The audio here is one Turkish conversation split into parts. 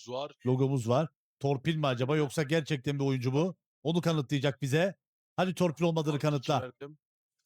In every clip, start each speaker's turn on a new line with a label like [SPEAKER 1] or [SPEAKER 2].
[SPEAKER 1] var.
[SPEAKER 2] Logomuz var. Torpil mi acaba yoksa gerçekten bir oyuncu mu? Onu kanıtlayacak bize. Hadi torpil olmadığını kanıtla.
[SPEAKER 1] Verdim.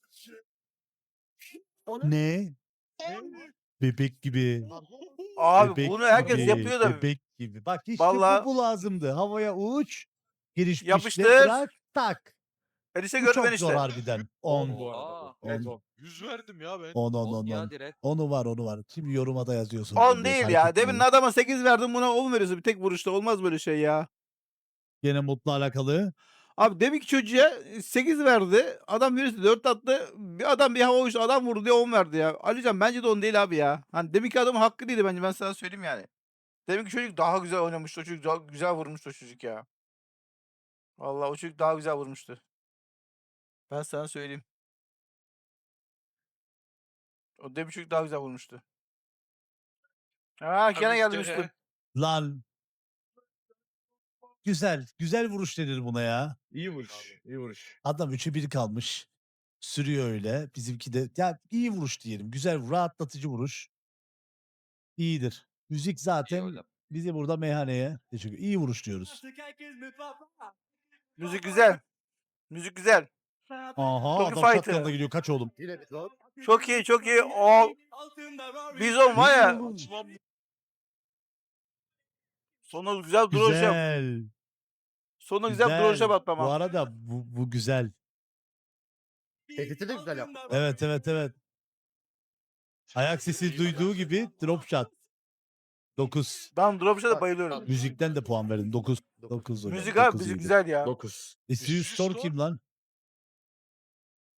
[SPEAKER 2] Ne? Bebek gibi.
[SPEAKER 3] Abi
[SPEAKER 2] Bebek
[SPEAKER 3] bunu herkes
[SPEAKER 2] gibi.
[SPEAKER 3] yapıyor da
[SPEAKER 2] Bebek gibi. Bak işte
[SPEAKER 3] Vallahi-
[SPEAKER 2] bu lazımdı. Havaya uç. Giriş pişle
[SPEAKER 3] Yapıştır.
[SPEAKER 2] bırak. Tak.
[SPEAKER 3] enişte
[SPEAKER 2] Bu
[SPEAKER 3] gördüm
[SPEAKER 2] çok
[SPEAKER 3] enişte.
[SPEAKER 2] zor harbiden.
[SPEAKER 1] 10
[SPEAKER 2] 10.
[SPEAKER 1] bu arada.
[SPEAKER 4] Aa,
[SPEAKER 1] bu.
[SPEAKER 2] Evet,
[SPEAKER 1] 100 verdim ya ben.
[SPEAKER 2] 10 10
[SPEAKER 4] 10
[SPEAKER 2] 10
[SPEAKER 4] ya
[SPEAKER 2] 10.
[SPEAKER 4] direkt.
[SPEAKER 2] Onu var onu var. Şimdi yoruma da yazıyorsun.
[SPEAKER 3] 10 değil ya.
[SPEAKER 2] Hareket
[SPEAKER 3] Demin
[SPEAKER 2] ediyor.
[SPEAKER 3] adama 8 verdim, buna 10 veriyorsun bir tek vuruşta. Olmaz böyle şey ya.
[SPEAKER 2] Gene Mutlu alakalı.
[SPEAKER 3] Abi demin ki çocuğa 8 verdi. Adam birisi 4 attı. Bir adam bir hava uçtu. Adam vurdu diye 10 verdi ya. Alican bence de 10 değil abi ya. Hani deminki adamın hakkı değildi bence. Ben sana söyleyeyim yani. Deminki çocuk daha güzel oynamıştı. O çocuk daha güzel vurmuştu o çocuk ya. Vallahi o çocuk daha güzel vurmuştu. Ben sana söyleyeyim. O demin çocuk daha güzel vurmuştu. Ha gene geldi Müslüm.
[SPEAKER 2] Lan. Güzel. Güzel vuruş denir buna ya.
[SPEAKER 5] İyi vuruş. İyi vuruş.
[SPEAKER 2] Adam 3'e 1 kalmış. Sürüyor öyle. Bizimki de ya iyi vuruş diyelim. Güzel, rahatlatıcı vuruş. İyidir. Müzik zaten
[SPEAKER 4] oğlum.
[SPEAKER 2] bizi burada meyhaneye teşekkür. İyi vuruş diyoruz.
[SPEAKER 3] Müzik güzel. Müzik güzel.
[SPEAKER 2] Aha
[SPEAKER 3] Toki
[SPEAKER 2] adam
[SPEAKER 3] Fighter.
[SPEAKER 2] shotgun'la gidiyor. Kaç oğlum?
[SPEAKER 5] Yine bir top.
[SPEAKER 3] Çok iyi çok iyi. O Bizon var ya.
[SPEAKER 1] Açmam.
[SPEAKER 3] Sonra güzel duruşa.
[SPEAKER 2] Güzel.
[SPEAKER 3] Sonra güzel duruşa
[SPEAKER 2] Bu
[SPEAKER 3] batmam.
[SPEAKER 2] arada bu güzel.
[SPEAKER 5] Tehdit'i de güzel yaptı.
[SPEAKER 2] Evet evet evet. Ayak sesi duyduğu gibi drop shot. 9.
[SPEAKER 3] Ben dropshot'a da bayılıyorum.
[SPEAKER 2] Müzikten de puan verdim. 9. 9 hocam.
[SPEAKER 3] Müzik abi
[SPEAKER 2] Dokuz
[SPEAKER 3] müzik
[SPEAKER 2] iyiydi.
[SPEAKER 3] güzel ya.
[SPEAKER 5] 9.
[SPEAKER 2] Serious Store kim lan?